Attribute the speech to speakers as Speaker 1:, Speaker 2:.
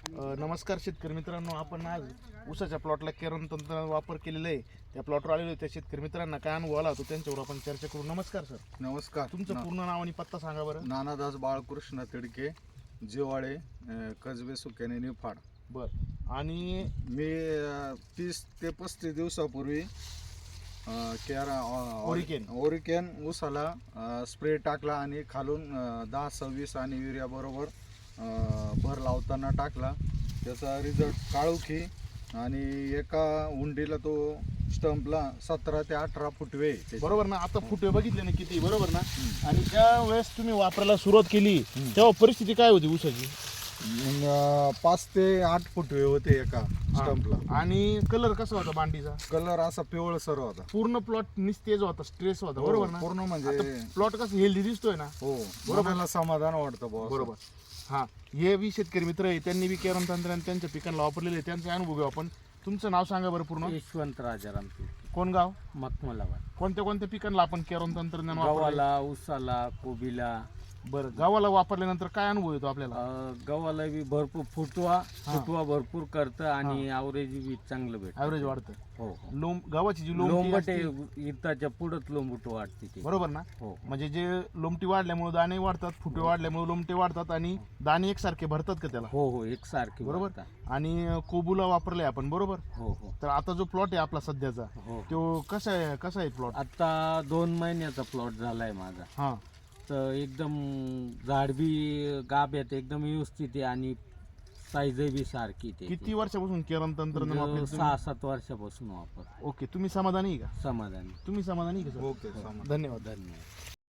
Speaker 1: नमस्कार शेतकरी मित्रांनो, आपण आज ऊसाच्या प्लॉटला केरन तंत्र वापर केलेला आहे. त्या प्लॉटवर आलेलो आहे. त्या शेतकरी मित्रांना काय अनुभव आला तो त्यांच्यावर आपण चर्चा करू. नमस्कार सर.
Speaker 2: नमस्कार.
Speaker 1: तुमचं पूर्ण नाव आणि पत्ता सांगा बरं.
Speaker 2: नानादास बाळकृष्ण तिडके, जिवाळे, कसबे, सुक्याने, निफाड.
Speaker 1: बर. आणि
Speaker 2: मी 30 ते 35 दिवसापूर्वी ओरिकेन ऊसाला स्प्रे टाकला आणि खालून 10-26 आणि युरिया बरोबर भर लावताना टाकला. त्याचा रिझल्ट काळोखी आणि एका उंडीला तो स्टंपला 17 ते 18 फुटवे.
Speaker 1: बरोबर ना. आता फुटवे बघितले ना किती, बरोबर ना. आणि ज्या वेळेस तुम्ही वापरायला सुरुवात केली तेव्हा परिस्थिती काय होती ऊसाची?
Speaker 2: 5 ते 8 फुटवे होते एका स्टंपला.
Speaker 1: आणि कलर कसा होता बांडीचा?
Speaker 2: कलर असा पिवळसर होता.
Speaker 1: पूर्ण प्लॉट निस्तेज होता, स्ट्रेस होता, बरोबर ना.
Speaker 2: पूर्ण म्हणजे
Speaker 1: प्लॉट कसं हेल्दी दिसतोय ना.
Speaker 2: हो, बरोबर, समाधान वाटतं
Speaker 1: बरोबर. हा, हे बी शेतकरी मित्र आहे, त्यांनी बी केरन तंत्रज्ञान त्यांच्या पिकांना वापरलेले आहे. त्यांचा अनुभव घेऊ आपण. तुमचं नाव सांगा बरं पूर्ण.
Speaker 3: यशवंत राजाराम.
Speaker 1: कोण गाव?
Speaker 3: मखमलाबाद.
Speaker 1: कोणत्या कोणत्या पिकांना आपण केरन तंत्रज्ञान वापरले?
Speaker 3: गव्हाला, ऊसाला, कोबीला.
Speaker 1: बरं, गव्हाला वापरल्यानंतर काय अनुभव येतो आपल्याला?
Speaker 3: गव्हाला बी भरपूर फुटवा भरपूर करतं आणि ॲव्हरेज बी चांगलं भेटतं.
Speaker 1: ॲव्हरेज वाढतं.
Speaker 3: हो.
Speaker 1: लोंब, गव्हाची जी
Speaker 3: लोंबट
Speaker 1: लोंबटी
Speaker 3: इताच्या पुढंच लोंबट वाढते ते.
Speaker 1: बरोबर ना.
Speaker 3: हो.
Speaker 1: म्हणजे जे लोंबटी वाढल्यामुळे दाणे वाढतात, फुटवे वाढल्यामुळे लोंबटे वाढतात आणि दाणे एकसारखे भरतात का त्याला?
Speaker 3: हो, एकसारखे
Speaker 1: बरोबर.
Speaker 3: वाढतात.
Speaker 1: आणि कोबूला वापरले आपण, बरोबर.
Speaker 3: हो.
Speaker 1: तर आता जो प्लॉट आहे आपला सध्याचा,
Speaker 3: हो.
Speaker 1: तो कसा आहे प्लॉट?
Speaker 3: आता 2 महिन्याचा प्लॉट झालाय माझा.
Speaker 1: हा.
Speaker 3: तर एकदम झाड बी गाभ्यात एकदम व्यवस्थित आहे आणि साईज बी सारखी ते.
Speaker 1: किती वर्षापासून केरन तंत्रज्ञान वापरले?
Speaker 3: 6-7 वर्षापासून वापर.
Speaker 1: ओके. तुम्ही समाधानी आहे का?
Speaker 3: समाधानी.
Speaker 1: तुम्ही समाधानी आहे का सर?
Speaker 2: ओके,
Speaker 1: धन्यवाद.
Speaker 3: धन्यवाद.